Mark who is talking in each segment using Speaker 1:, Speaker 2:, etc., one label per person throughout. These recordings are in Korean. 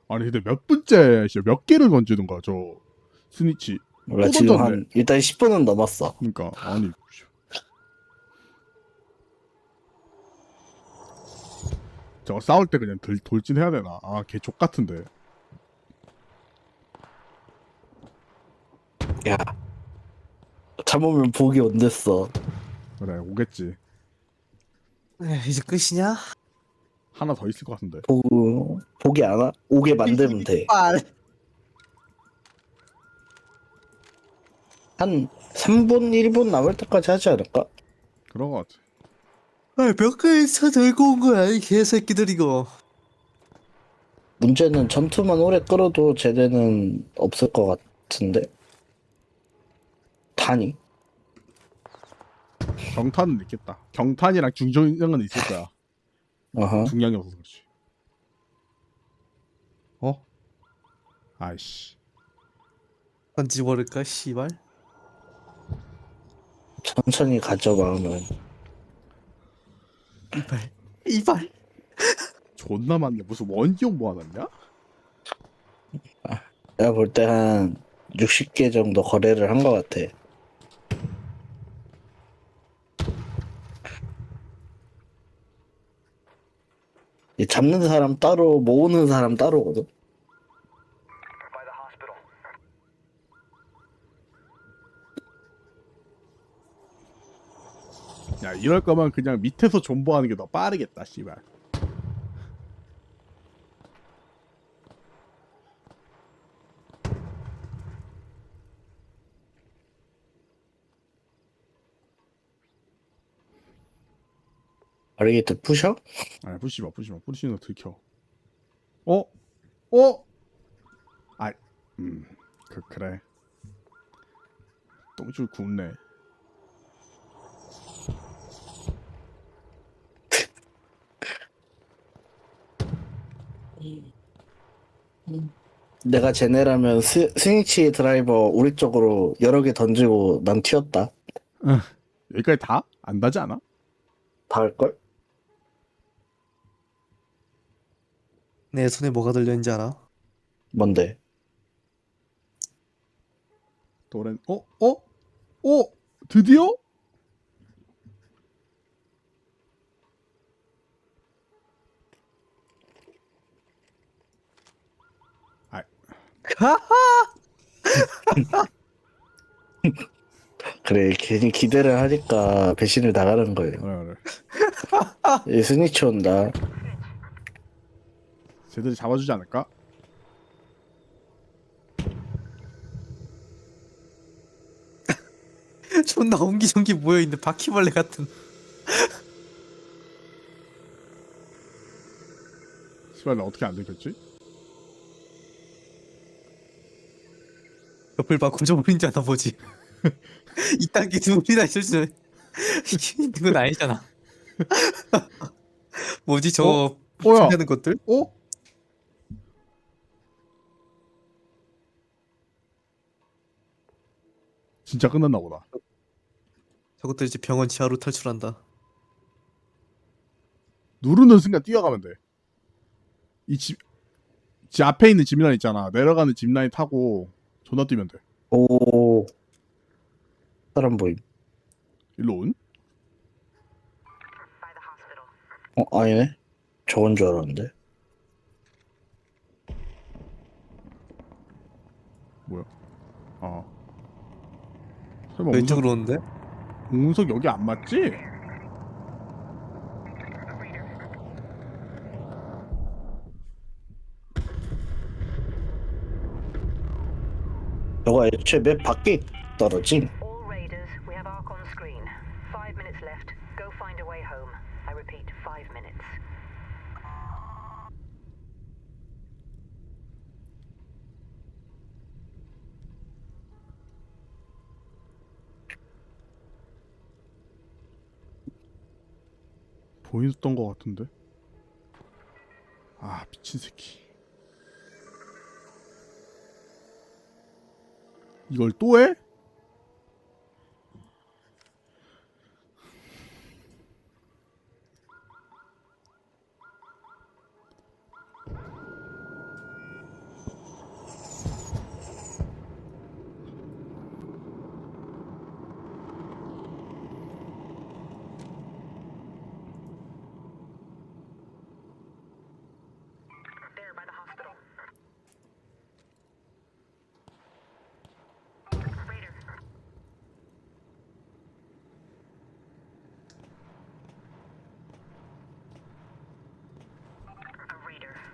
Speaker 1: 아니 근데 몇 분째 진짜 몇 개를 던지는 거야 저 스니치.
Speaker 2: 몰라,
Speaker 1: 또
Speaker 2: 지금
Speaker 1: 던졌네.
Speaker 2: 일단 10분은 넘었어.
Speaker 1: 그러니까 아니 저거 싸울 때 그냥 돌진해야 되나? 아 걔 족 같은데.
Speaker 2: 야, 참으면 복이 온댔어.
Speaker 1: 그래 오겠지.
Speaker 3: 이제 끝이냐?
Speaker 1: 하나 더 있을 것 같은데.
Speaker 2: 복이 안 와? 오게 만들면 돼.
Speaker 3: 빨.
Speaker 2: 한 3분, 1분 남을 때까지 하지 않을까?
Speaker 1: 그런 것 같아.
Speaker 3: 몇 개에서 들고 온 거야 이 개새끼들 이거.
Speaker 2: 문제는 전투만 오래 끌어도 쟤네는 없을 것 같은데? 탄이?
Speaker 1: 경탄은 있겠다. 경탄이랑 중정은 있을 거야.
Speaker 2: 어허.
Speaker 1: 중량이 없어서 그렇지. 어? 아이씨.
Speaker 3: 던지지 버릴까 씨발.
Speaker 2: 천천히 가져, 마음은.
Speaker 3: 이발.
Speaker 1: 존나 많네. 무슨 원기용 모아놨냐?
Speaker 2: 내가 볼 때 한 60개 정도 거래를 한 것 같아. 이 잡는 사람 따로, 모으는 사람 따로거든.
Speaker 1: 야 이럴 거면 그냥 밑에서 존버하는 게 더 빠르겠다 씨발.
Speaker 2: 바리게이트 푸셔?
Speaker 1: 아니 부시마 부시는 거 들켜. 어? 어? 아, 그래. 똥줄 굽네.
Speaker 2: 내가 쟤네라면 스위치 드라이버 우리 쪽으로 여러 개 던지고 난 튀었다.
Speaker 1: 여기까지 다? 안 다지 않아?
Speaker 2: 다 할걸?
Speaker 3: 내 손에 뭐가 들려있는지 알아?
Speaker 2: 뭔데?
Speaker 1: 도렌 어? 어? 어? 드디어? 아,
Speaker 2: 그래, 괜히 기대를 하니까 배신을 당하는 거예요.
Speaker 1: 그래.
Speaker 2: 이 스니치 온다.
Speaker 1: 쟤들이 잡아주지 않을까?
Speaker 3: 존나 옹기종기 모여있는 바퀴벌레 같은.
Speaker 1: 씨발 나 어떻게 안 들켰지?
Speaker 3: 옆을 봐 구조물인 줄 아나 보지. 이딴 게 둘이나 있을 수 있는 건 아니잖아. 뭐지
Speaker 1: 어?
Speaker 3: 저
Speaker 1: 뭐야?
Speaker 3: 하는 것들?
Speaker 1: 어? 진짜 끝났나 보다.
Speaker 3: 저것들 이제 병원 지하로 탈출한다.
Speaker 1: 누르는 순간 뛰어가면 돼. 집 앞에 있는 짚라인 있잖아. 내려가는 짚라인 타고 존나 뛰면 돼.
Speaker 2: 오, 사람 보임.
Speaker 1: 일로 온?
Speaker 2: 아니네. 저건 줄 알았는데.
Speaker 1: 뭐야? 아. 설마
Speaker 3: 왼쪽으로 오는데?
Speaker 1: 운석 여기 안 맞지?
Speaker 2: 저거 애초에 맵 밖에 떨어짐.
Speaker 4: All raiders, we have Ark on screen. 5 minutes left. Go find a way home. I repeat, 5 minutes.
Speaker 1: 보였던 것 같은데? 아 미친 새끼. 이걸 또 해?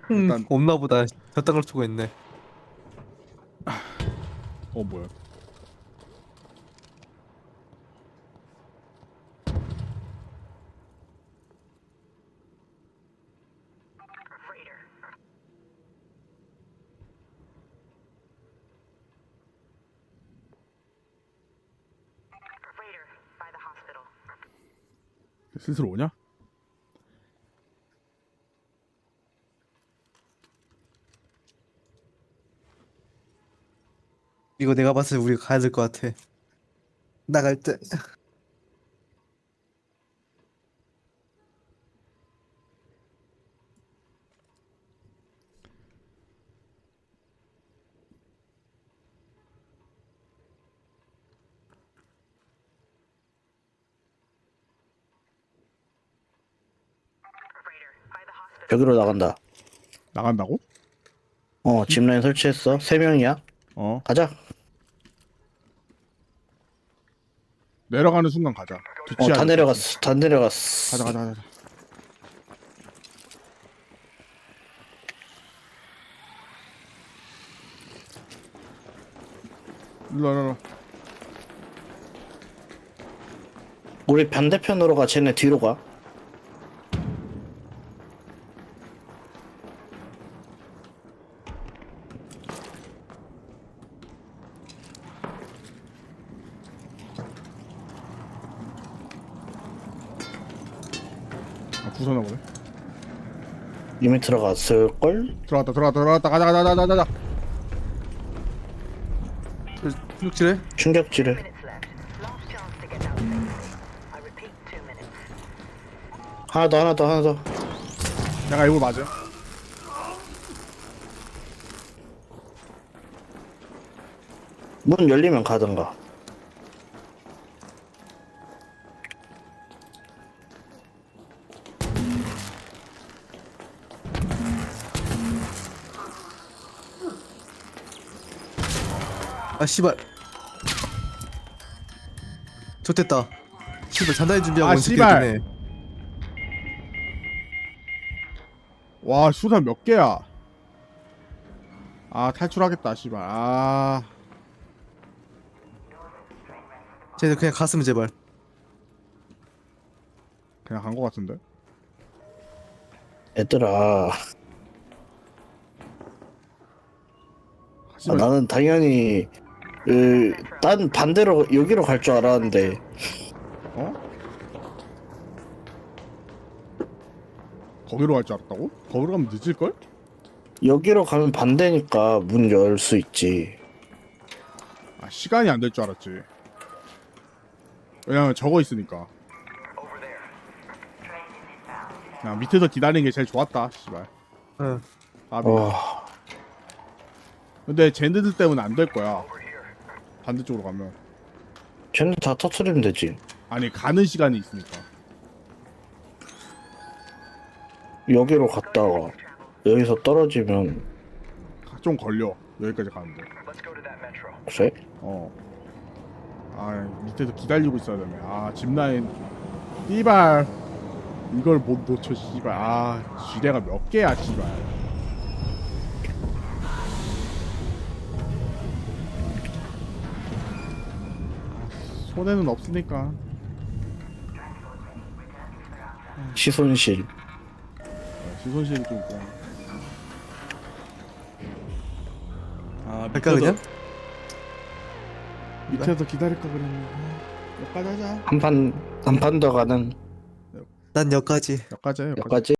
Speaker 1: 일단
Speaker 3: 없나 보다. 저딴 걸 쓰고 있네.
Speaker 1: 뭐야?
Speaker 4: Raider. Raider, by the hospital.
Speaker 1: 슬슬 오냐?
Speaker 3: 이거 내가 봤을 때 우리가 가야 될 것 같아. 나갈 때.
Speaker 4: Raider, by the hospital.
Speaker 2: 여기로 나간다.
Speaker 1: 나간다고?
Speaker 2: 짚라인 설치했어. 3명이야. 가자.
Speaker 1: 내려가는 순간 가자. 뒤치야.
Speaker 2: 다 내려갔어. 다 내려갔어.
Speaker 1: 가자. 일로.
Speaker 2: 우리 반대편으로 가. 쟤네 뒤로 가.
Speaker 1: 부서나 보네.
Speaker 2: 이미 들어갔을걸?
Speaker 1: 들어갔다. 가자.
Speaker 3: 룩질해?
Speaker 2: 충격지를.
Speaker 4: Minutes left. Last chance to get out safely. I repeat, 2 minutes.
Speaker 2: 하나 더.
Speaker 1: 내가 이걸 맞아.
Speaker 2: 문 열리면 가든가.
Speaker 3: 아 씨발. 좋됐다. 씨발 잔다이 준비하고
Speaker 1: 아,
Speaker 3: 온 새끼가
Speaker 1: 씨발.
Speaker 3: 있네.
Speaker 1: 와, 수산 몇 개야? 아, 탈출하겠다, 씨발. 아,
Speaker 3: 쟤네 그냥 갔으면 제발.
Speaker 1: 그냥 간 거 같은데.
Speaker 2: 얘들아.
Speaker 1: 씨발,
Speaker 2: 나는 당연히 딴 반대로 여기로 갈 줄 알았는데
Speaker 1: 거기로 갈 줄 알았다고? 거기로 가면 늦을 걸?
Speaker 2: 여기로 가면 반대니까 문 열 수 있지.
Speaker 1: 아, 시간이 안 될 줄 알았지. 왜냐면 저거 있으니까. 그냥 밑에서 기다리는 게 제일 좋았다, 씨발.
Speaker 3: 응.
Speaker 1: 아비.
Speaker 2: 와,
Speaker 1: 근데 쟤네들 때문에 안 될 거야. 반대쪽으로 가면.
Speaker 2: 쟤네 다 터트리면 되지.
Speaker 1: 아니, 가는 시간이 있으니까.
Speaker 2: 여기로 갔다가 여기서 떨어지면
Speaker 1: 좀 걸려. 여기까지 가는데.
Speaker 2: 그래?
Speaker 1: 아, 밑에서 기다리고 있어야 되네. 아, 짚라인. 씨발. 이걸 못 놓쳐, 씨발. 아, 지뢰가 몇 개야, 씨발. 손해는 없으니까.
Speaker 2: 시손실.
Speaker 1: 시손실이 좀 있고. 아,
Speaker 3: 갈까 그냥?
Speaker 1: 밑에서 기다릴 거 그랬는데. 여기까지 하자.
Speaker 2: 한 판 더 가는
Speaker 3: 난 여기까지.
Speaker 1: 여기까지 해, 여기까지.
Speaker 2: 여기까지.